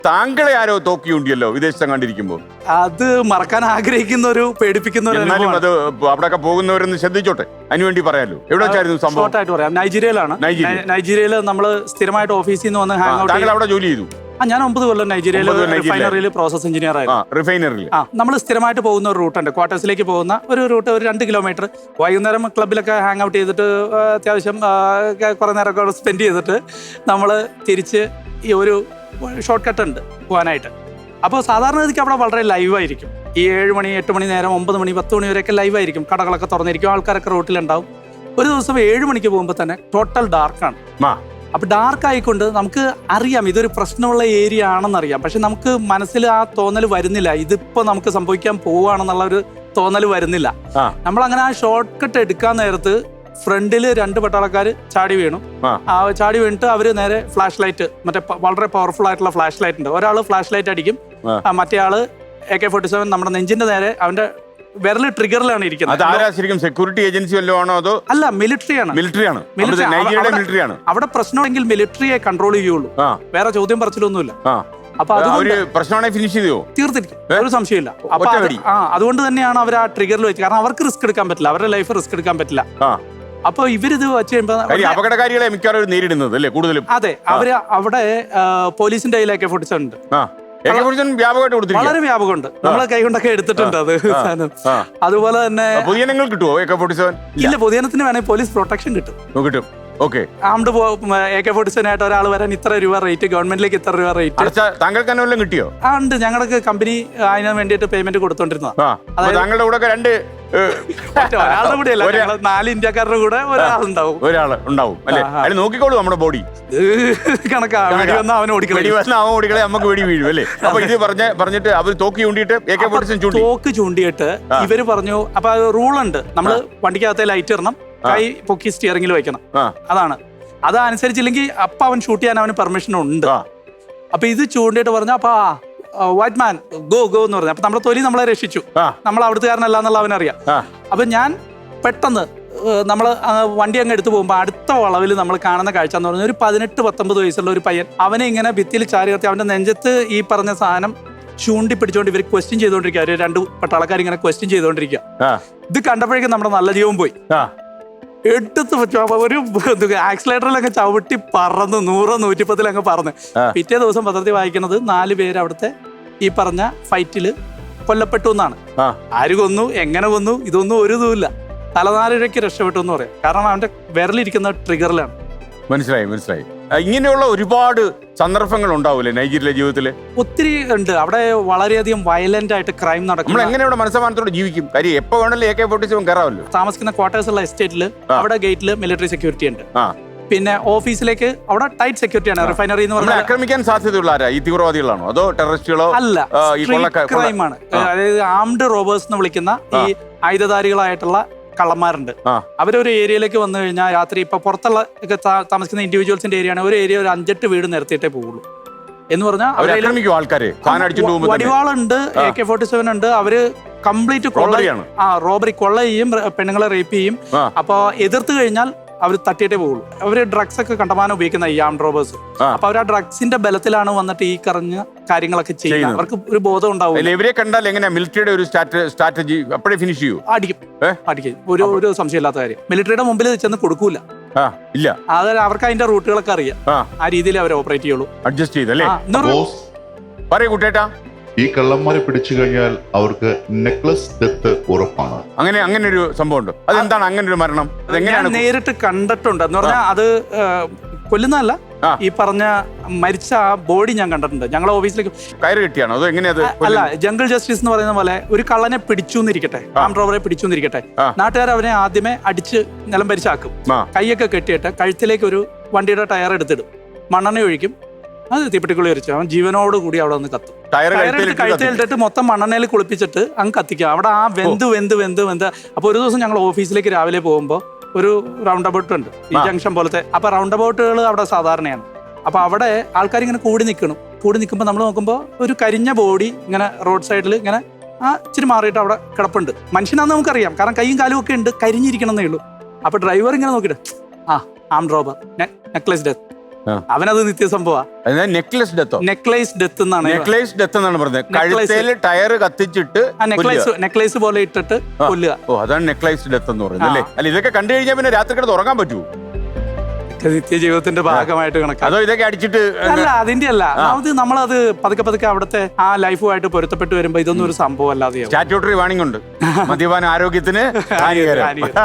താങ്കളെ ആരോ തോക്കിയുണ്ടല്ലോ വിദേശത്ത് കണ്ടിരിക്കുമ്പോൾ. അത് മറക്കാൻ ആഗ്രഹിക്കുന്ന ഒരു പേടിപ്പിക്കുന്ന ഒരു എന്നാലും അത് അവിടെയൊക്കെ പോകുന്നവരൊന്ന് ശ്രദ്ധിച്ചോട്ടെ, അതിനുവേണ്ടി പറയാലോ. എവിടെ വെച്ചായിരുന്നു സംഭവം? ഷോർട്ടായിട്ട് പറയാം, നൈജീരിയയിലാണ്. നൈജീരിയയിൽ നമ്മൾ സ്ഥിരമായിട്ട് ഓഫീസിൽ നിന്ന് വന്ന് ഹാങ് ഔട്ട്. താങ്കൾ അവിടെ ജോലി ചെയ്തു? ഞാൻ 9 കൊല്ലം നൈജീരിയയിൽ റിഫൈനറിയിൽ പ്രോസസ് എഞ്ചിനീയർ ആയിരുന്നു. റിഫൈനറിയിൽ നമ്മൾ സ്ഥിരമായിട്ട് പോകുന്ന ഒരു റൂട്ടുണ്ട്, ക്വാർട്ടേഴ്സിലേക്ക് പോകുന്ന ഒരു റൂട്ട്, ഒരു 2 കിലോമീറ്റർ. വൈകുന്നേരം ക്ലബിലൊക്കെ ഹാങ് ഔട്ട് ചെയ്തിട്ട് അത്യാവശ്യം കുറേ നേരമൊക്കെ സ്പെൻഡ് ചെയ്തിട്ട് നമ്മൾ തിരിച്ച് ഈ ഒരു ഷോർട്ട് കട്ട് ഉണ്ട് പോകാനായിട്ട്. അപ്പോൾ സാധാരണഗതിക്ക് അവിടെ വളരെ ലൈവായിരിക്കും. ഈ 7 മണി 8 മണി നേരം 9 മണി 10 മണി വരെയൊക്കെ ലൈവായിരിക്കും. കടകളൊക്കെ തുറന്നിരിക്കും, ആൾക്കാരൊക്കെ റോട്ടിലുണ്ടാവും. ഒരു ദിവസം 7 മണിക്ക് പോകുമ്പോൾ തന്നെ ടോട്ടൽ ഡാർക്കാണ്. അപ്പൊ ഡാർക്ക് ആയിക്കൊണ്ട് നമുക്ക് അറിയാം ഇതൊരു പ്രശ്നമുള്ള ഏരിയ ആണെന്നറിയാം. പക്ഷെ നമുക്ക് മനസ്സിൽ ആ തോന്നൽ വരുന്നില്ല, ഇതിപ്പോ നമുക്ക് സംഭവിക്കാൻ പോവുകയാണെന്നുള്ള ഒരു തോന്നൽ വരുന്നില്ല. നമ്മൾ അങ്ങനെ ആ ഷോർട്ട് കട്ട് എടുക്കാൻ നേരത്ത് ഫ്രണ്ടില് 2 പട്ടാളക്കാർ ചാടി വീണു. ചാടി വീണിട്ട് അവര് നേരെ ഫ്ലാഷ് ലൈറ്റ്, മറ്റേ വളരെ പവർഫുൾ ആയിട്ടുള്ള ഫ്ലാഷ് ലൈറ്റ് ഉണ്ട്, ഒരാള് ഫ്ലാഷ് ലൈറ്റ് അടിക്കും, മറ്റേ ആള് AK-47 നമ്മുടെ നെഞ്ചിന്റെ നേരെ അവന്റെ വിരല് ട്രിഗറിലാണ് ഇരിക്കുന്നത്. സെക്യൂരിറ്റി ഏജൻസി വല്ലതും ആണോ അതോ? അല്ല, മിലിറ്ററിയാണ്. അവിടെ പ്രശ്നമാണെങ്കിൽ മിലിറ്ററിയെ കൺട്രോൾ ചെയ്യുള്ളൂ, വേറെ ചോദ്യം പറച്ചിലൊന്നുമില്ല. അപ്പൊ തീർത്തിരിക്കും, ഒരു സംശയമില്ല. അപ്പൊ അതുകൊണ്ട് തന്നെയാണ് അവർ ആ ട്രിഗറിൽ വെച്ച്, കാരണം അവർക്ക് റിസ്ക് എടുക്കാൻ പറ്റില്ല, അവരുടെ ലൈഫ് റിസ്ക് എടുക്കാൻ പറ്റില്ല. അപ്പൊ ഇവരിത് വെച്ച് കഴിയുമ്പോൾ അപകടകാരികളെ മിക്കവാറും നേരിടുന്നത് അല്ലേ കൂടുതലും? അതെ, അവര് അവിടെ പോലീസിന്റെ കയ്യിൽ AK-47 ഉണ്ട്, വളരെ വ്യാപകമുണ്ട്. നമ്മളെ കൈകൊണ്ടൊക്കെ എടുത്തിട്ടുണ്ട് അത്. അതുപോലെ തന്നെ പൊതുജനങ്ങൾ കിട്ടുമോ AK-47? ഇല്ല, പൊതുജനത്തിന് വേണമെങ്കിൽ പോലീസ് പ്രൊട്ടക്ഷൻ കിട്ടും. ആംഡ് AK-47 ആയിട്ട് ഒരാൾ വരാൻ ഇത്ര രൂപ റേറ്റ്, ഗവൺമെന്റിലേക്ക് ഇത്ര രൂപ റേറ്റ്. താങ്കൾക്ക് തന്നെ കിട്ടിയോ? ഉണ്ട്, ഞങ്ങൾക്ക് കമ്പനി അതിന് വേണ്ടിയിട്ട് പേയ്മെന്റ് കൊടുത്തോണ്ടിരുന്നതാ. താങ്കളുടെ കൂടെ ഒരാളുടെ കൂടെ അല്ല, 4 ഇന്ത്യക്കാരുടെ കൂടെ ഒരാളുണ്ടാവും അല്ലേ? അതിന് നോക്കിക്കോളൂ നമ്മുടെ ബോഡി കണക്കാ. അവൻ ഓടിക്കളെ നമുക്ക് വെടി വീഴും അല്ലേ? അപ്പൊ ഇത് പറഞ്ഞിട്ട് അവർ തോക്ക് ചൂണ്ടിയിട്ട് തോക്ക് ചൂണ്ടിയിട്ട് ഇവര് പറഞ്ഞു. അപ്പൊ റൂളുണ്ട്, നമ്മള് വണ്ടിക്കകത്തെ ലൈറ്റ് ഇടണം, കൈ പൊക്കി സ്റ്റിയറിംഗിൽ വെക്കണം. അതനുസരിച്ചില്ലെങ്കിൽ അപ്പൊ അവൻ ഷൂട്ട് ചെയ്യാൻ അവന് പെർമിഷൻ ഉണ്ട്. അപ്പൊ ഇത് ചൂണ്ടിയിട്ട് പറഞ്ഞു, അപ്പൊ വൈറ്റ് മാൻ ഗോ ഗോ എന്ന് പറഞ്ഞു. അപ്പൊ നമ്മുടെ തൊലി നമ്മളെ രക്ഷിച്ചു, നമ്മൾ അവിടുത്തുകാരനല്ല എന്നുള്ള അവനറിയാം. അപ്പൊ ഞാൻ പെട്ടെന്ന് നമ്മൾ വണ്ടി അങ്ങ് എടുത്തു പോകുമ്പോൾ അടുത്ത വളവിൽ നമ്മൾ കാണുന്ന കാഴ്ച എന്ന് പറഞ്ഞാൽ ഒരു 18-19 വയസ്സുള്ള ഒരു പയ്യൻ, അവനെ ഇങ്ങനെ ഭിത്തിയിൽ ചാരി നിർത്തി അവന്റെ നെഞ്ചത്ത് ഈ പറഞ്ഞ സാധനം ചൂണ്ടി പിടിച്ചോണ്ട് ഇവർ ക്വസ്റ്റ്യൻ ചെയ്തോണ്ടിരിക്കുക. 2 പട്ടാളക്കാർ ഇങ്ങനെ ക്വസ്റ്റ്യൻ ചെയ്തോണ്ടിരിക്കുക. ഇത് കണ്ടപ്പോഴേക്കും നമ്മുടെ നല്ല ജീവൻ പോയി. എടുത്ത് ഒരു ആക്സിലേറ്ററിലൊക്കെ ചവിട്ടി പറന്ന് 100-110 പറന്ന്. പിറ്റേ ദിവസം പത്രത്തിൽ വായിക്കുന്നത് 4 പേര് അവിടുത്തെ ഈ പറഞ്ഞ ഫൈറ്റില് കൊല്ലപ്പെട്ടു എന്നാണ്. ആര് കൊന്നു, എങ്ങനെ കൊന്നു, ഇതൊന്നും ഒരു ഇതുമില്ല. തലനാരിഴയ്ക്ക് രക്ഷപ്പെട്ടു എന്ന് പറയാം, കാരണം അവന്റെ വിരലിരിക്കുന്ന ട്രിഗറിലാണ്. മനസ്സിലായി. ഇങ്ങനെയുള്ള ഒരുപാട് സന്ദർഭങ്ങൾ ഉണ്ടാവൂലേ നൈജീരിയയിലെ ജീവിതത്തില്? ഒത്തിരി ഉണ്ട്. അവിടെ വളരെയധികം വയലന്റ് ആയിട്ട് ക്രൈം നടക്കും. നമ്മൾ എങ്ങനെ മനസ്സമാനത്തോടെ ജീവിക്കും? കാര്യം എപ്പോ വേണമല്ലോ AK-47 കയറാമല്ലോ. താമസിക്കുന്ന ക്വാർട്ടേഴ്സ് ഉള്ള എസ്റ്റേറ്റില് അവിടെ ഗേറ്റില് മിലിറ്ററി സെക്യൂരിറ്റി ഉണ്ട്. പിന്നെ ഓഫീസിലേക്ക് അവിടെ ടൈറ്റ് സെക്യൂരിറ്റിയാണ്. റിഫൈനറി എന്ന് പറഞ്ഞാൽ ആക്രമിക്കാൻ സാധ്യതയുള്ള ആരാ? ഈ തീവ്രവാദികളാണോ അതോ ടെററിസ്റ്റുകളോ? അല്ല, ക്രൈമാണ്. അതായത് ആംഡ് റോബേഴ്സ് എന്ന് വിളിക്കുന്ന ഈ ആയുധധാരികളായിട്ടുള്ള കള്ളന്മാരുണ്ട്. അവരൊരു ഏരിയയിലേക്ക് വന്നു കഴിഞ്ഞാൽ രാത്രി ഇപ്പൊ പുറത്തുള്ള താമസിക്കുന്ന ഇൻഡിവിജ്വൽസിന്റെ ഏരിയ ആണ്, ഒരു ഏരിയ ഒരു 5-8 വീട് നിരത്തിയിട്ടേ പോകുള്ളൂ എന്ന് പറഞ്ഞാൽ വടിവാളുണ്ട്, AK-47 ഉണ്ട്. അവര് കംപ്ലീറ്റ് റോബറി, കൊള്ള ചെയ്യും, പെണ്ണുങ്ങളെ റേപ്പ് ചെയ്യും. അപ്പൊ എതിർത്ത് കഴിഞ്ഞാൽ അവർ തട്ടിയിട്ടേ പോകുള്ളൂ. അവര് ഡ്രഗ്സ് ഒക്കെ കണ്ടമാനം ഉപയോഗിക്കുന്ന ഈ ആം റോബേഴ്സ്. അപ്പൊ അവർ ആ ഡ്രഗ്സിന്റെ ബലത്തിലാണ് വന്നിട്ട് ഈ കറഞ്ഞ കാര്യങ്ങളൊക്കെ ചെയ്യുന്നത്. അവർക്ക് ഒരു ബോധം ഉണ്ടാവും. ഇവരെ കണ്ടാൽ എങ്ങനെയാ മിലിറ്ററിയുടെ ഒരു സ്ട്രാറ്റജി അപ്പോഴേ ഫിനിഷ് ചെയ്യൂ? അടിക്കും, ഒരു സംശയമില്ലാത്ത കാര്യം. മിലിറ്ററിയുടെ മുമ്പിൽ ചെന്ന് കൊടുക്കൂല. ഇല്ല, അതായത് അവർക്ക് അതിന്റെ റൂട്ടുകളൊക്കെ അറിയാം. ആ രീതിയിൽ അവർ ഓപ്പറേറ്റ് ചെയ്യുള്ളൂ. അഡ്ജസ്റ്റ് ചെയ്തല്ലേ? പറയൂ കുട്ടേട്ടാ. ഈ കള്ളന്മാരെ പിടിച്ചു കഴിഞ്ഞാൽ അവർക്ക് നെക്ലസ് ഡെത്ത് ഉറപ്പാണ്. അങ്ങനെ ഒരു സംഭവം ഉണ്ട്. അതെന്താണ് അങ്ങനെ ഒരു മരണം? ഞാൻ നേരിട്ട് കണ്ടിട്ടുണ്ട്. എന്ന് പറഞ്ഞാൽ അത് കൊല്ലുന്നതല്ല, ഈ പറഞ്ഞ മരിച്ച ആ ബോഡി ഞാൻ കണ്ടിട്ടുണ്ട്. ഞങ്ങളെ ഓഫീസിലേക്ക് കയറ് കിട്ടിയാണോ അതോ എങ്ങനെയത്? അല്ല, ജംഗിൾ ജസ്റ്റിസ് എന്ന് പറയുന്ന പോലെ ഒരു കള്ളനെ പിടിച്ചു എന്നിരിക്കട്ടെ, ആം റോബറെ പിടിച്ചു എന്നിരിക്കട്ടെ, നാട്ടുകാർ അവനെ ആദ്യമേ അടിച്ച് നിലം പരിച്ചാക്കും, കൈയൊക്കെ കെട്ടിയിട്ട് കഴുത്തിലേക്ക് ഒരു വണ്ടിയുടെ ടയർ എടുത്തിടും, മണ്ണെണ്ണ ഒഴിക്കും, അത് തീപ്പെട്ടിക്കുള്ളി വരച്ചു അവൻ ജീവനോട് കൂടി അവിടെ ഒന്ന് കത്തും. കഴുത്തിലിട്ടിട്ട് മൊത്തം മണ്ണെണ്ണയിൽ കുളിപ്പിച്ചിട്ട് അങ്ങ് കത്തിക്കുക. അവിടെ ആ വെന്ത്. അപ്പൊ ഒരു ദിവസം ഞങ്ങൾ ഓഫീസിലേക്ക് രാവിലെ പോകുമ്പോൾ ഒരു റൗണ്ട് അബൌട്ട് ഉണ്ട്, ഈ ജംഗ്ഷൻ പോലത്തെ. അപ്പൊ റൗണ്ട് അബൌട്ടുകൾ അവിടെ സാധാരണയാണ്. അപ്പൊ അവിടെ ആൾക്കാർ ഇങ്ങനെ കൂടി നിൽക്കുമ്പോൾ നമ്മൾ നോക്കുമ്പോൾ ഒരു കരിഞ്ഞ ബോഡി ഇങ്ങനെ റോഡ് സൈഡിൽ ഇങ്ങനെ ഇച്ചിരി മാറിയിട്ട് അവിടെ കിടപ്പുണ്ട്. മനുഷ്യനാന്ന് നമുക്കറിയാം, കാരണം കൈയും കാലും ഒക്കെ ഉണ്ട്, കരിഞ്ഞിരിക്കണമെന്നേ ഉള്ളൂ. അപ്പൊ ഡ്രൈവർ ഇങ്ങനെ നോക്കിയിട്ട് ആം റോബർ, നെക്ലസ് ഡെത്ത് അവനത് നിത്യസംഭവ. നെക്ലസ് ഡെത്തോ? നെക്ലേസ് ഡെത്ത് എന്നാണ്. നെക്ലേസ് ഡെത്ത് എന്നാണ് പറഞ്ഞത്. കഴുത്തേല് ടയർ കത്തിച്ചിട്ട് നെക്ലേസ് പോലെ ഇട്ടിട്ട് കൊല്ലുക. ഓ, അതാണ് നെക്ലേസ് ഡെത്ത് എന്ന് പറയുന്നത് അല്ലേ? അല്ല, ഇതൊക്കെ കണ്ടു കഴിഞ്ഞാൽ പിന്നെ രാത്രി കിടന്ന് ഉറങ്ങാൻ പറ്റുമോ? നിത്യജീവിതത്തിന്റെ ഭാഗമായിട്ട് കണക്കാണ്. അതോ ഇതൊക്കെ അടിച്ചിട്ട്? അല്ല, അതിന്റെ അല്ല. നമ്മളത് പതുക്കെ പതുക്കെ അവിടുത്തെ ആ ലൈഫുമായിട്ട് പൊരുത്തപ്പെട്ട് വരുമ്പോ ഇതൊന്നും ഒരു സംഭവം അല്ലാതെയാവും. സ്റ്റാറ്റ്യൂട്ടറി വാണിംഗ് ഉണ്ട്, മദ്യപാന ആരോഗ്യത്തിന് ഹാനികരം.